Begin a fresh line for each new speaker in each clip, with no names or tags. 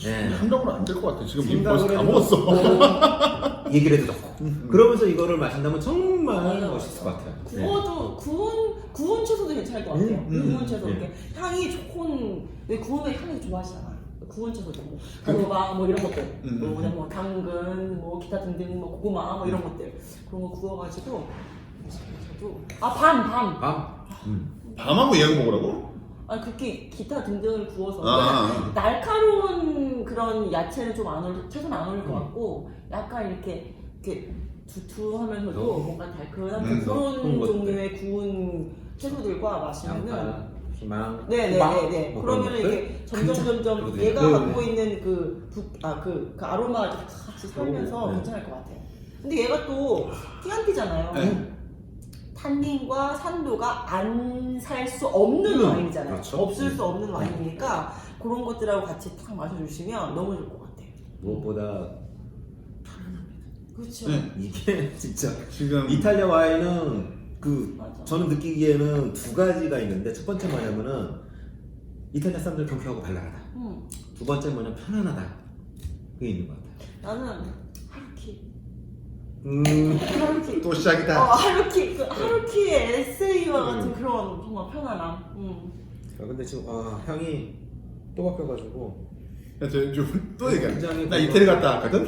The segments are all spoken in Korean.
생각으로 안 될 것 같아. 지금 이미
생각을
벌써 다
해도
먹었어.
얘기를 해도 좋고. 그러면서 이거를 마신다면 정말 멋있을 것 같아요.
구워도 구운 채소도 괜찮을 것 같아요. 구운 채소 이렇게 향이 좋은 왜 구우면 향이 좋아하시잖아. 구운 채소도 뭐 고구마 뭐 이런 것들, 뭐 당근, 뭐 기타 등등 뭐 고구마 뭐 이런 것들 그런 거 구워가지고 저도 밤.
밤하고 얘하고 먹으라고?
아니 그렇게 기타 등등을 구워서
아.
날카로운 그런 야채는 좀 안 어울 채소는 안 어울릴 것 같고 약간 이렇게 두툼하면서도 뭔가 달큰한 그런 종류의 구운 채소들과 마시면은
희망.
네네네.
뭐
그러면
그런
이게 점점 얘가 갖고 있는 그 아로마가 같이 살면서 괜찮을 것 같아요. 근데 얘가 또 티안티잖아요. 탄닌과 산도가 안 살 수 없는 와인이잖아요.
그렇죠.
없을 수 없는 와인이니까 그런 것들하고 같이 탁 마셔주시면 너무 좋을 것 같아요.
무엇보다 편안합니다.
그렇죠.
이게 진짜
지금
이탈리아 와인은
맞아.
저는 느끼기에는 두 가지가 있는데 첫 번째 뭐냐면은 이탈리아 사람들 경쾌하고 발랄하다. 두 번째 뭐냐면 편안하다. 그게 있는 것 같아요.
나는 하루키.
또 시작이다.
하루키의 에세이와 같은 그런 정말 편안함.
근데 지금 향이 또 바뀌어가지고
또 얘기해.
굉장히
나 이태리 갔다 왔거든?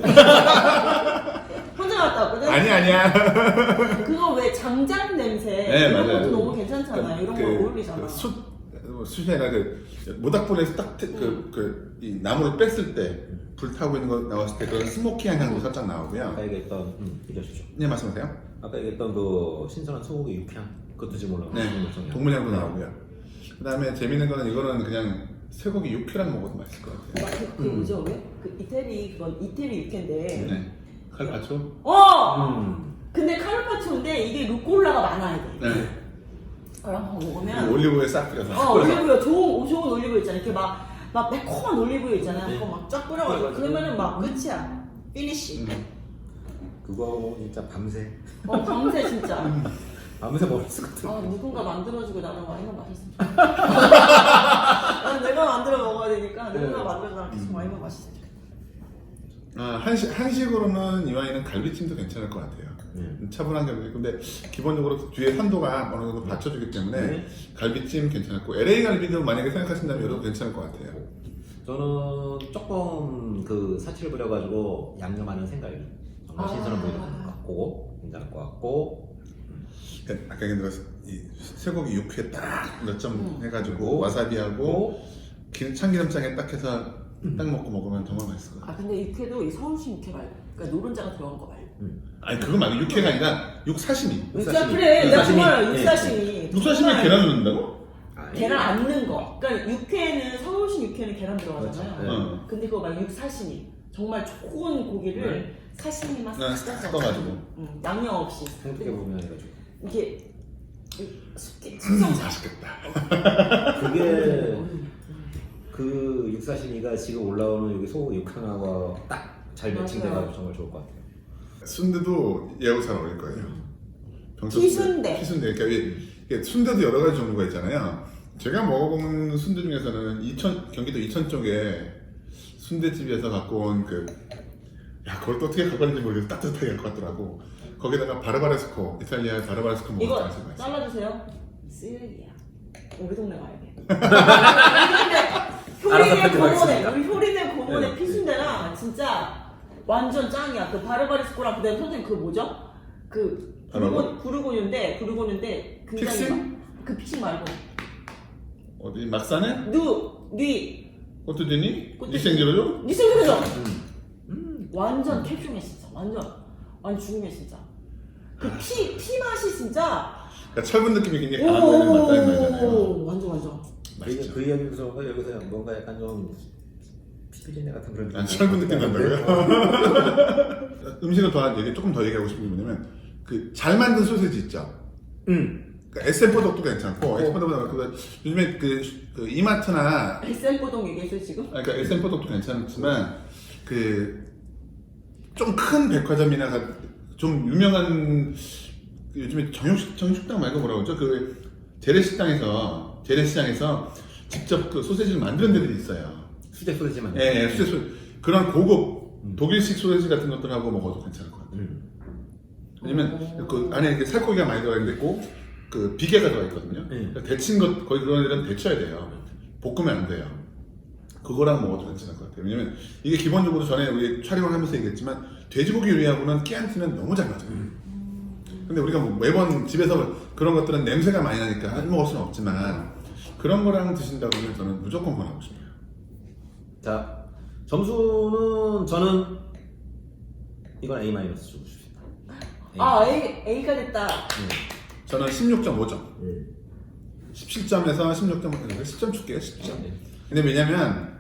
혼자 갔다 왔거든?
아니야.
그거 왜 장작 냄새
네,
이런
맞아요.
것도 너무 괜찮잖아요. 이런 거 어울리잖아.
숯이 아니라 모닥불에서 딱 이 나무를 뺐을 때 불타고 있는 거 나왔을 때 그런 스모키한 향도 살짝 나오고요.
아까 얘기했던 얘기하시죠.
네, 말씀하세요.
아까 얘기했던 그 신선한 소고기 육향 그것도 지금 올라오고
네, 동물향도 나오고요. 그 다음에 재밌는 거는 이거는 그냥 쇠고기 육회랑 먹어도 맛있을 것 같아요.
그 뭐죠? 왜? 그 이태리 육회인데.
네. 칼파초?
근데 카르파초인데 이게 루꼴라가 많아야 돼.
네.
그럼 먹으면
올리브오일 싹 뿌려서.
올리브유 좋은 올리브유 있잖아. 이렇게 막 매콤한 올리브유 있잖아요. 그거 막 쫙 뿌려가지고 그러면은 막 끝이야. 피니쉬.
그거 진짜 밤새
밤새 진짜.
밤새 먹을 수 같은.
누군가 만들어주고 나는 와인만 마셨으면 좋겠다. 난 내가 만들어 먹어야 되니까 누군가 만들어서 나랑 계속 와인만 마셨으면 좋겠다.
한식으로는 이 와인은 갈비찜도 괜찮을 것 같아요. 차분한 갈비. 근데 기본적으로 뒤에 산도가 어느 정도 받쳐주기 때문에 갈비찜 괜찮았고 LA 갈비도 만약에 생각하신다면 여러분 괜찮을 것 같아요.
저는 조금 그 사치를 부려가지고 양념하는 생각이 정말 신선한 보이는 것 같고 괜찮을 것 같고.
아까 얘기한 이 쇠고기 육회 딱 몇 점 해가지고 와사비하고 참기름장에 딱 해서 딱 먹으면 정말 맛있을 것 같아요.
근데 육회도 이 서울식 육회 말고 그러니까 노른자가 들어간 거 말고.
아니 그건 말고 육회가 아니라 육사시미.
그래 내가 정말 육사시미.
육사시미에 계란 넣는다고?
계란 안 넣는 거. 그러니까 육회는 서울식 육회는 계란 들어가잖아요.
그렇죠.
근데 그거 말고 육사시미. 정말 좋은 고기를 사시미만 싹
섞어가지고.
양념 없이.
어떻게 보면 해가지고
이게 숙성
맛있겠다.
그게 그 육사시미가 지금 올라오는 여기 소고기 육향하고 딱 잘 매칭돼가지고 정말 좋을 것 같아요.
순대도 얘하고 잘 어울릴 거예요.
피순대.
피순대. 그러니까 이게 순대도 여러 가지 종류가 있잖아요. 제가 먹어본 순대 중에서는 경기도 이천 쪽에 순대집에서 갖고 온 그걸 또 어떻게 갖고 왔는지 모르겠어. 따뜻하게 갖고 왔더라고. 거기다가 바르바레스코, 이탈리아 바르바레스코 먹었다.
이거 잘라주세요. 쓰레기야. 우리 동네 가야 돼. 우리 효리네 고모네 피순대랑 진짜 완전 짱이야. 그 바르바레스코랑 그다음에 선생님 그 뭐죠? 그 부르고뉴인데 굉장히
픽싱?
그 픽싱 말고
어디 막산에?
뉘
꽃두디니? 니생지로죠?
니생지로죠? 완전 캡슐이야 진짜. 완전 죽음이야 진짜. 그 피 맛이 진짜.
그러니까 철분 느낌이 굉장히 강한 맞다는 말이잖아요.
완전.
맛있죠.
그 이야기에서 여기서 뭔가 약간 좀 피비린내 같은 그런 느낌.
철분 느낌 난다고요? 음식을 조금 더 얘기하고 싶은 게 뭐냐면 잘 만든 소세지 있죠? 그러니까 SM 포독도 괜찮고 SM 포독보다 요즘에 이마트나
SM 포독 얘기했어요 지금?
그러니까 SM 포독도 괜찮지만 좀 큰 백화점이나 좀 유명한 요즘에 정육식당 말고 뭐라고 그러죠? 재래시장에서 직접 소세지를 만드는 데들이 있어요.
수제 소리지만.
예, 수제 소리. 그런 고급 독일식 소세지 같은 것들하고 먹어도 괜찮을 것 같아요. 왜냐면 그 안에 이렇게 살코기가 많이 들어가 있는데 꼭 그 비계가 들어가 있거든요. 그러니까 데친 것 거의 그런 일은 데쳐야 돼요. 볶으면 안 돼요. 그거랑 먹어도 괜찮을 것 같아요. 왜냐면 이게 기본적으로 전에 우리 촬영을 하면서 얘기했지만 돼지고기 요리하고는 끼안티는 너무 잘 맞아요. 근데 우리가 뭐 매번 집에서 그런 것들은 냄새가 많이 나니까 안 먹을 수는 없지만 그런 거랑 드신다 그러면 저는 무조건 권하고 싶어요.
자, 점수는 저는 이건 A- 주고 싶습니다.
A가 됐다.
저는 16.5점. 17점에서 16점, 10점 줄게요. 10점. 근데 왜냐면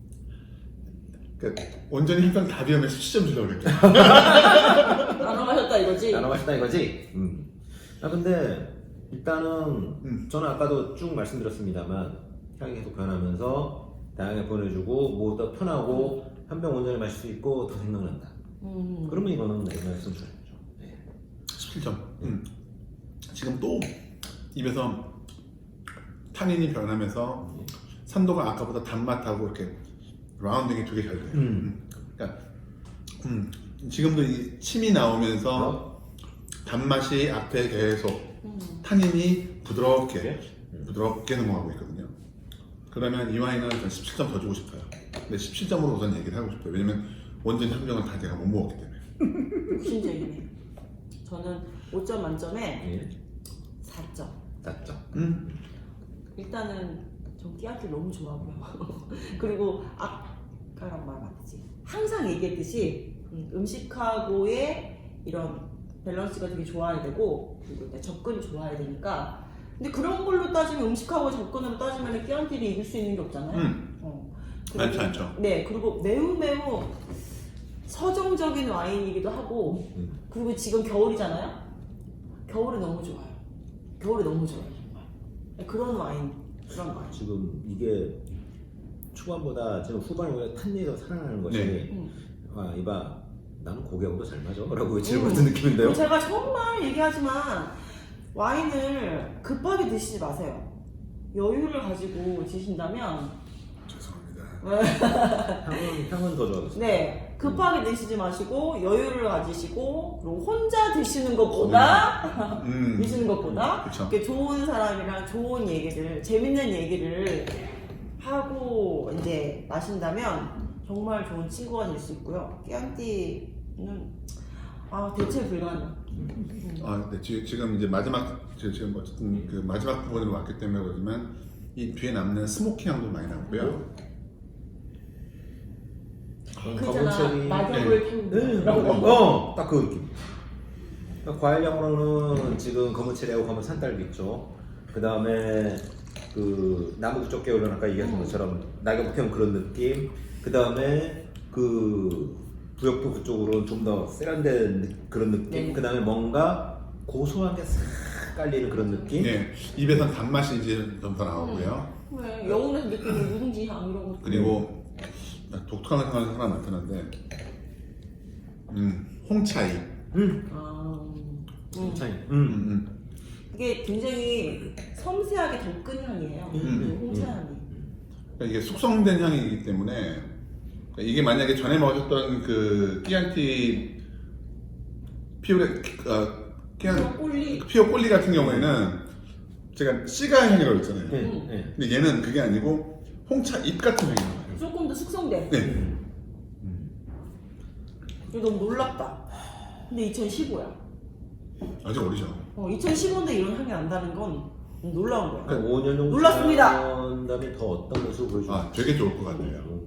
온전히 힘든 답이면 17점 주려고 그랬죠.
나눠 마셨다 이거지?
나눠 마셨다 이거지? 근데 일단은 저는 아까도 쭉 말씀드렸습니다만 향이 계속 변하면서 다양하게 보내주고 뭐더 편하고 한 병 온전히 마실 수 있고 더 생각난다. 그러면 이거는 A- 선출해야죠.
17점. 지금 또 입에서 탄닌이 변하면서 산도가 아까보다 단맛하고 이렇게 라운딩이 되게 잘 돼요. 그러니까 지금도 이 침이 나오면서 단맛이 앞에 계속 탄닌이 부드럽게 넘어가고 있거든요. 그러면 이 와인은 전 17점 더 주고 싶어요. 근데 17점으로 우선 얘기를 하고 싶어요. 왜냐면 원전 한 병을 다 제가 못 먹었기 때문에.
욕심쟁이네. 저는 5점 만점에 4점.
4점.
일단은 전 끼안티 너무 좋아하고요. 그리고 아까랑 말 맞지? 항상 얘기했듯이 음식하고의 이런 밸런스가 되게 좋아야 되고 그리고 일단 접근이 좋아야 되니까 근데 그런 걸로 따지면 음식하고 접근으로 따지면 끼안티를 이길 수 있는 게 없잖아요.
많지 않죠.
네, 그리고 매우 서정적인 와인이기도 하고 그리고 지금 겨울이잖아요. 겨울에 너무 좋아요. 겨울에 너무 좋아요 정말. 그런 와인.
지금 이게 초반보다 지금 후반에 오히려 탄닌이 더 살아나는 것이 이봐 나는 고기하고도 잘 맞아 라고 외치는 같은 느낌인데요.
제가 정말 얘기하지만 와인을 급하게 드시지 마세요. 여유를 가지고 드신다면
죄송합니다.
향은 더 좋아졌어요.
네, 급하게 드시지 마시고 여유를 가지시고 그리고 혼자 드시는 것보다 이렇게 좋은 사람이랑 좋은 얘기를 재밌는 얘기를 하고 이제 마신다면 정말 좋은 친구가 될 수 있고요. 끼안티는 대체 불가능.
네, 지금 이제 지금 어쨌든 그 마지막 부분으로 왔기 때문에 그러지만 이 뒤에 남는 스모키 향도 많이 나고요.
그잖아 낙엽을 태우는
딱 그 느낌. 과일향으로는 지금 검은 체리하고 검은 산딸기 있죠. 그 다음에 그 나무 그쪽 계열은 아까 얘기하신 것처럼 낙엽 태운 그런 느낌. 그 다음에 그 부역도 그쪽으로는 좀 더 세련된 그런 느낌.
네.
그 다음에 뭔가 고소한 게 싹 깔리는 그런 느낌.
네, 입에선 단맛이 이제 좀 더 나오고요.
네, 영혼에서 느끼는 누룽지 향 이런 거.
그리고 독특한 향이 하나 나타나는데 홍차이.
차이.
이게 굉장히 섬세하게 덕근 향이에요. 홍차 향이.
그러니까 이게 숙성된 향이기 때문에 그러니까 이게 만약에 전에 먹었던 그 끼안티 피오 꼴리 같은 경우에는 제가 씨가 향이라고 했잖아요. 근데 얘는 그게 아니고 홍차 잎 같은 향이 나요.
조금 더 숙성돼.
네.
이거 너무 놀랍다. 근데 2015야.
아직 어리죠.
2015인데 이런 향이 난다는 건 놀라운 거야.
5년 정도
놀랐습니다.
다음에 더 어떤 모습을 보여줄까?
되게 좋을 것 같네요.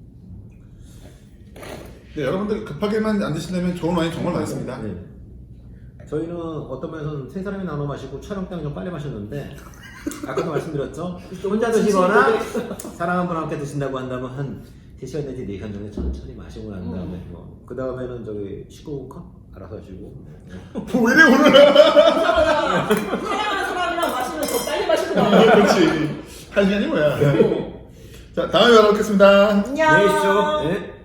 네, 여러분들 급하게만 안 드신다면 좋은 와인 정말 많습니다.
네. 저희는 어떤 면에서는 세 사람이 나눠 마시고 촬영 때문에 좀 빨리 마셨는데 아까도 말씀드렸죠? 혼자 드시거나 사람 한 분 함께 드신다고 한다면 한 3시간 내지 4시간 정도 천천히 마시고 난 다음에 그 다음에는 저기 19컵 알아서 하시고
왜 이래 오늘?
사랑하는 사람이랑 마시면 더 빨리 마시구나.
그렇지. 한 시간이 뭐야. 자, 다음에 뵙겠습니다.
안녕.
안녕히 계십시오. 네.